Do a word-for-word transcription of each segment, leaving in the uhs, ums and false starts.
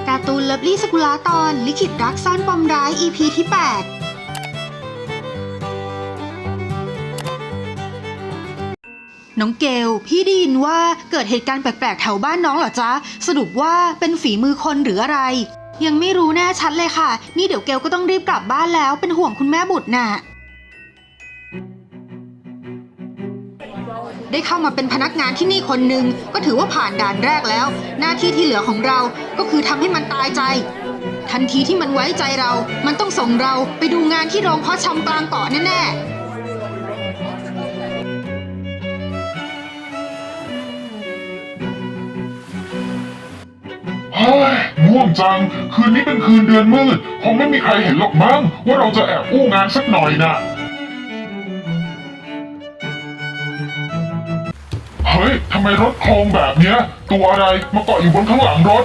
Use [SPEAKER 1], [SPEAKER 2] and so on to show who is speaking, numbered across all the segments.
[SPEAKER 1] การ์ตูนเลิฟลี่สกุลาตอนลิขิตรักซ่อนปมร้าย อี พี ที่ แปด น้องเกลพี่ได้ยินว่าเกิดเหตุการณ์แปลกๆแถวบ้านน้องเหรอจ๊ะสรุปว่าเป็นฝีมือคนหรืออะไรยังไม่รู้แน่ชัดเลยค่ะนี่เดี๋ยวเกลก็ต้องรีบกลับบ้านแล้วเป็นห่วงคุณแม่บุตรน่ะได้เข้ามาเป็นพนักงานที่นี่คนหนึ่งก็ถือว่าผ่านด่านแรกแล้วหน้าที่ที่เหลือของเราก็คือทำให้มันตายใจทันทีที่มันไว้ใจเรามันต้องส่งเราไปดูงานที่โรงเพาะชำกลางเกาะแน่
[SPEAKER 2] เฮ้ยง่วงจังคืนนี้เป็นคืนเดือนมืดคงไม่มีใครเห็นหรอกมั้งว่าเราจะแอบอู้งานสักหน่อยนะเฮ้ยทำไมรถโครงแบบเนี้ยตัวอะไรมาเกาะอยู่บนข้างหลังรถ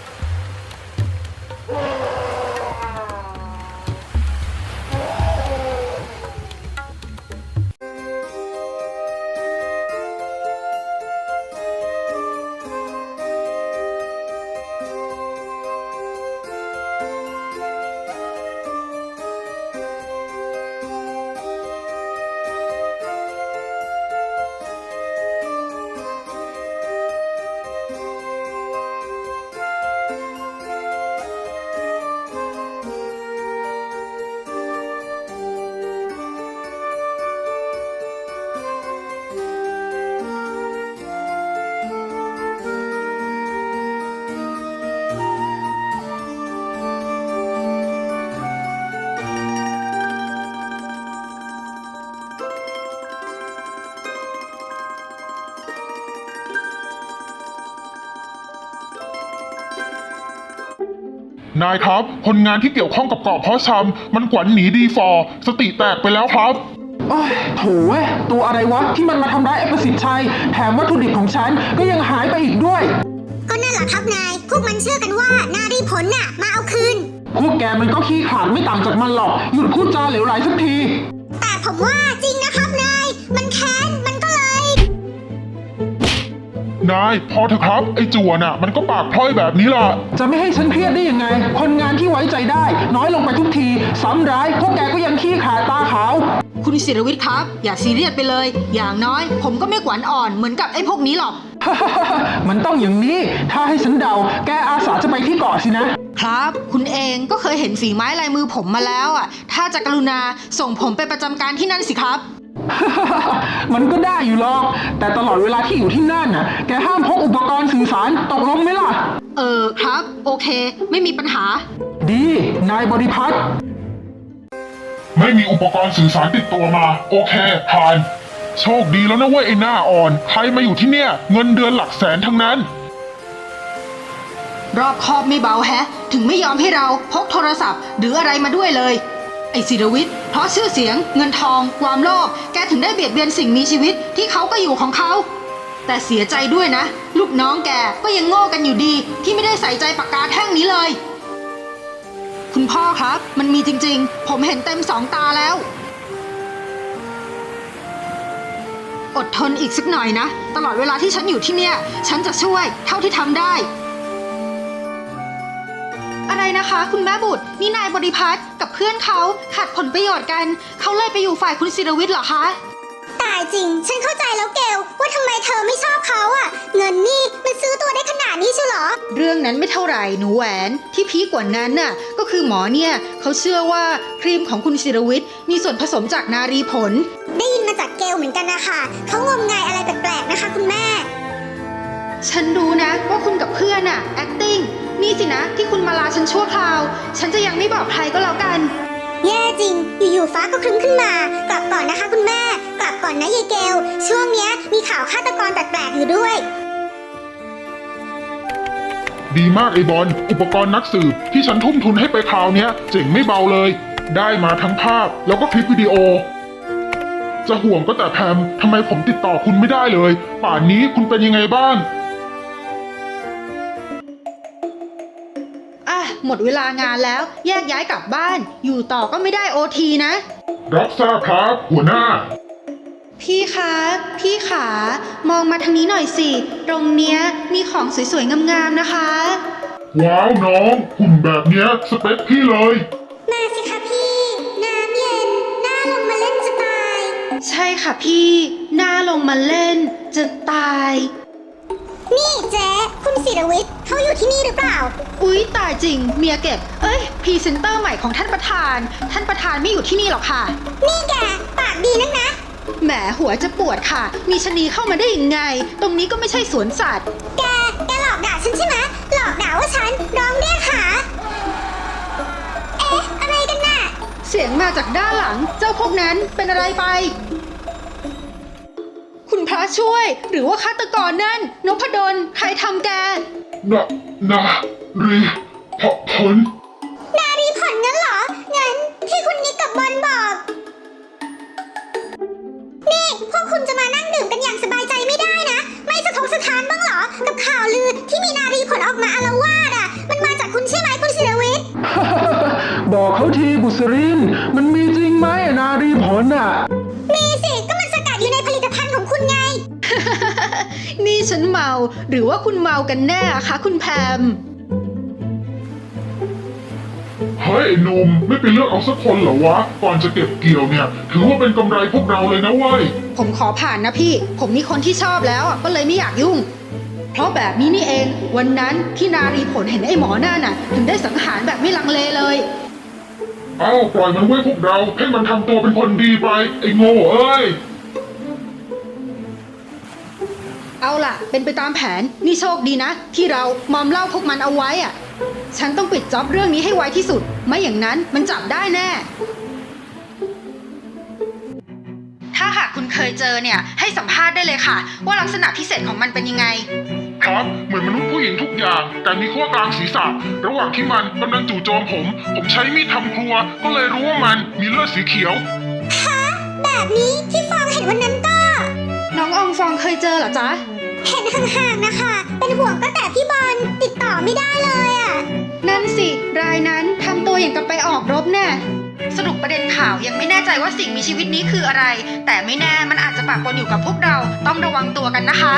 [SPEAKER 2] นายครับคนงานที่เกี่ยวข้องกับเกาะเพาะชำมันกวันหนีดีฟอร์สติแตกไปแล้วครับ
[SPEAKER 3] โอ้ยโถ่เว้ยตัวอะไรวะที่มันมาทำร้ายไอ้ประสิทธิ์ชัยแถมวัตถุดิบของฉันก็ยังหายไปอีกด้วย
[SPEAKER 4] ก็นั่นแหละครับนายพวกมันเชื่อกันว่านารีผลน่ะมาเอาคืน
[SPEAKER 3] พวกแกมันก็ขี้ขลาดไม่ต่างจากมันหรอกหยุดพูดจาเหลวไหลสักที
[SPEAKER 4] แต่ผมว่าจริงนะครับนายมันแค้นมันก็เลย
[SPEAKER 2] นายพอเถอะครับไอ้จั่วน่ะมันก็ปากพร่อยแบบนี้ล่ะ
[SPEAKER 3] จะไม่ให้ฉันเครียดได้ยังไงคนงานที่ไว้ใจได้น้อยลงไปทุกทีซ้ำร้ายพวกแกก็ยังขี้ขลาดตาขาว
[SPEAKER 1] คุณศิรวิทย์ครับอย่าซีเรียสไปเลยอย่างน้อยผมก็ไม่ขวัญอ่อนเหมือนกับไอ้พวกนี้หรอก
[SPEAKER 3] มันต้องอย่างนี้ถ้าให้ฉันเดาแกอาสาจะไปที่เกาะสิ
[SPEAKER 1] นะครับคุณเองก็เคยเห็นฝีไม้ลายมือผมมาแล้วอ่ะถ้าจะกรุณาส่งผมไปประจำการที่นั่นสิครับ
[SPEAKER 3] มันก็ได้อยู่หรอกแต่ตลอดเวลาที่อยู่ที่นั่นน่ะแกห้ามพกอุปกรณ์สื่อสารตกลงไหมล่ะ
[SPEAKER 1] เออครับโอเคไม่มีปัญหา
[SPEAKER 3] ดีนายบริพัตร
[SPEAKER 2] ไม่มีอุปกรณ์สื่อสารติดตัวมาโอเคผ่านโชคดีแล้วนะเว้ยไอ้หน้าอ่อนใครมาอยู่ที่เนี่ยเงินเดือนหลักแสนทั้งนั้น
[SPEAKER 1] รอบคอบไม่เบาแฮะถึงไม่ยอมให้เราพกโทรศัพท์หรืออะไรมาด้วยเลยไอ้ศิรวิทย์เพราะชื่อเสียงเงินทองความโลภแกถึงได้เบียดเบียนสิ่งมีชีวิตที่เขาก็อยู่ของเขาแต่เสียใจด้วยนะลูกน้องแกก็ยังโง่กันอยู่ดีที่ไม่ได้ใส่ใจปากกาแท่งนี้เลยคุณพ่อครับมันมีจริงๆผมเห็นเต็มสองตาแล้วอดทนอีกสักหน่อยนะตลอดเวลาที่ฉันอยู่ที่เนี่ยฉันจะช่วยเท่าที่ทำได้อะไรนะคะคุณแม่บุตรนี่นายบริพัตรกับเพื่อนเขาขัดผลประโยชน์กันเขาเลยไปอยู่ฝ่ายคุณศิรวิทย์เหรอคะ
[SPEAKER 4] ตายจริงฉันเข้าใจแล้วเกลว่าทำไมเธอไม่ชอบเขาอ่ะเงินนี่มันซื้อตัวได้ขนาดนี้ใช่เหรอ
[SPEAKER 1] เรื่องนั้นไม่เท่าไหร่หนูแหวนที่พีคกว่านั้นน่ะก็คือหมอเนี่ยเขาเชื่อว่าครีมของคุณศิรวิทย์มีส่วนผสมจากนารีผล
[SPEAKER 4] ได้ยินมาจากเกลเหมือนกันนะคะเขางมงายอะไรแปลกๆนะคะคุณแม่
[SPEAKER 1] ฉันรู้นะว่าคุณกับเพื่อนน่ะ acting นี่สินะที่คุณมาลาฉันชั่วคราวฉันจะยังไม่บอกใครก็แล้วกัน
[SPEAKER 4] แย่จริงอยู่ๆฟ้าก็ครึ้มขึ้นมากลับก่อนนะคะคุณแม่กลับก่อนนะยายเกลช่วงเนี้ยมีข่าวฆาตกรแปลกๆอยู่ด้วย
[SPEAKER 2] ดีมากไอ้บอลอุปกรณ์นักสืบที่ฉันทุ่มทุนให้ไปคราวเนี้ยเจ๋งไม่เบาเลยได้มาทั้งภาพแล้วก็คลิปวิดีโอจะห่วงก็แต่แพมทำไมผมติดต่อคุณไม่ได้เลยป่านนี้คุณเป็นยังไงบ้าง
[SPEAKER 1] อ่ะหมดเวลางานแล้วแยกย้ายกลับบ้านอยู่ต่อก็ไม่ได้โอทีนะ
[SPEAKER 2] รับทราบครับหัวหน้า
[SPEAKER 1] พี่คะพี่ขามองมาทางนี้หน่อยสิตรงเนี้ยมีของสวยๆงามๆนะคะ
[SPEAKER 2] ว้าวน้องหุ่นแบบเนี้ยสเปคพี่เลย
[SPEAKER 4] มาสิคะพี่ น้ำเย็นน่าลงมาเล่นจะตาย
[SPEAKER 1] ใช่ค่ะพี่น่าลงมาเล่นจะตาย
[SPEAKER 4] นี่เจ๊คุณศิรวิทย์เขาอยู่ที่นี่หรือเปล่า
[SPEAKER 1] อุ๊ยตายจริงเมียเก็บเอ้ยพรีเซนเตอร์ใหม่ของท่านประธาน ท่านประธานไม่อยู่ที่นี่หรอกค่ะ
[SPEAKER 4] นี่แกปากดีนักนะ
[SPEAKER 1] แหมหัวจะปวดค่ะ มีชะนีเข้ามาได้ยังไง ตรงนี้ก็ไม่ใช่สวนสัตว์
[SPEAKER 4] แก แกหลอกด่าฉันใช่ไหมหลอกด่าว่าฉันร้องเรียกหา เอ๊ะ อะไรกันน่ะ
[SPEAKER 1] เสียงมาจากด้านหลัง เจ้าพวกนั้นเป็นอะไรไป คุณพระช่วย หรือว่าฆาตกรนั่นนพดลใครทำแก
[SPEAKER 2] นะนารีพผล
[SPEAKER 4] นารีผลงั้นเหรอ งั้นที่คุณนิกกับบอลบอก นี่พวกคุณจะมานั่งดื่มกันอย่างสบายใจไม่ได้นะ ไม่สะทกสะท้านบ้างเหรอ กับข่าวลือที่มีนารีผลออกมาอาละวาดอ่ะ มันมาจากคุณใช่ไหมคุณศิรวิทย์
[SPEAKER 3] บอกเขาทีบุษริน มันมีจริงไหมนารีผลอ่ะ
[SPEAKER 4] มีสิ ก็มันสกัดอยู่ในผลิตภัณฑ์ของคุณไง
[SPEAKER 1] นี่ฉันเมาหรือว่าคุณเมากันแน่อะคะคุณแพม
[SPEAKER 2] เฮ้ยไอ้หนุ่มไม่ไปเลือกเอาสักคนเหรอวะ ก่อนจะเก็บเกี่ยวเนี่ย ถือว่าเป็นกำไรพวกเราเลยนะเว้ย
[SPEAKER 1] ผมขอผ่านนะพี่ ผมมีคนที่ชอบแล้วอะก็เลยไม่อยากยุ่ง เพราะแบบนี้นี่เอง วันนั้นที่นารีผลเห็นไอ้หมอหน้าน่ะ ถึงได้สังหารแบบไม่ลังเลเลย
[SPEAKER 2] เอ้าปล่อยมันไว้พวกเราให้มันทำตัวเป็นคนดีไป ไอ้โง่เอ้ย
[SPEAKER 1] เอาล่ะ เป็นไปตามแผน นี่โชคดีนะ ที่เรามอมเหล่าพวกมันเอาไว้อะฉันต้องปิดจ็อบเรื่องนี้ให้ไวที่สุด ไม่อย่างนั้นมันจับได้แน่ ถ้าหากคุณเคยเจอเนี่ย ให้สัมภาษณ์ได้เลยค่ะ ว่าลักษณะพิเศษของมันเป็นยังไง
[SPEAKER 2] ครับ เหมือนมนุษย์ผู้หญิงทุกอย่าง แต่มีขั้วกลางศีรษะ ระหว่างที่มันกำลังจู่โจมผม ผมใช้มีดทำครัว ก็เลยรู้ว่ามันมีเลือดสีเขียว
[SPEAKER 4] ฮะ แบบนี้ที่ฟองเห็นวันนั้นก็
[SPEAKER 1] น้องอองฟองเคยเจอเหรอจ๊ะ
[SPEAKER 4] เห็นห่างๆนะคะ เป็นห่วงก็แต่พี่บอลติดต่อไม่ได้เลยอ่ะ
[SPEAKER 1] นั่นสิ รายนั้นทำตัวอย่างกับไปออกรบแน่ สรุปประเด็นข่าวยังไม่แน่ใจว่าสิ่งมีชีวิตนี้คืออะไร แต่ไม่แน่มันอาจจะปะปนอยู่กับพวกเรา ต้องระวังตัวกันนะคะ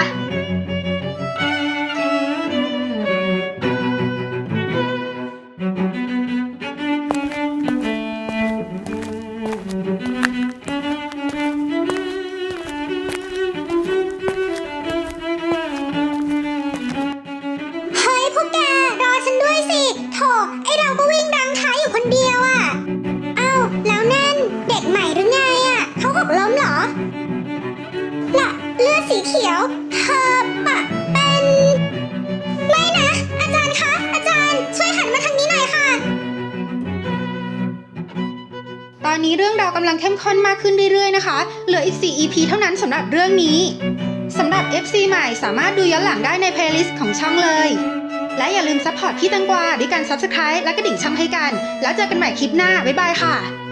[SPEAKER 4] เฮ้ยพวกแก รอฉันด้วยสิ โถ ไอเราก็วิ่งดังท้ายอยู่คนเดียวอ่ะ เอ้า แล้วนั่นเด็กใหม่หรือไงอ่ะ เขาหกล้มเหรอ ละเลือดสีเขียว เธอปะเป็น ไม่นะ อาจารย์คะ อาจารย์ช่วยหันมาทางนี้หน่อยค่ะ
[SPEAKER 1] ตอนนี้เรื่องราวกำลังเข้มข้นมากขึ้นเรื่อยๆนะคะ เหลืออีก สี่ อี พี เท่านั้นสำหรับเรื่องนี้สำหรับ เอฟ ซี ใหม่สามารถดูย้อนหลังได้ในเพลย์ลิสต์ของช่องเลย และอย่าลืมซัพพอร์ตพี่แตังกวาด้วยการ ซับสไครบ์ และกระดิ่งช่องให้กัน แล้วเจอกันใหม่คลิปหน้า บ๊ายบายค่ะ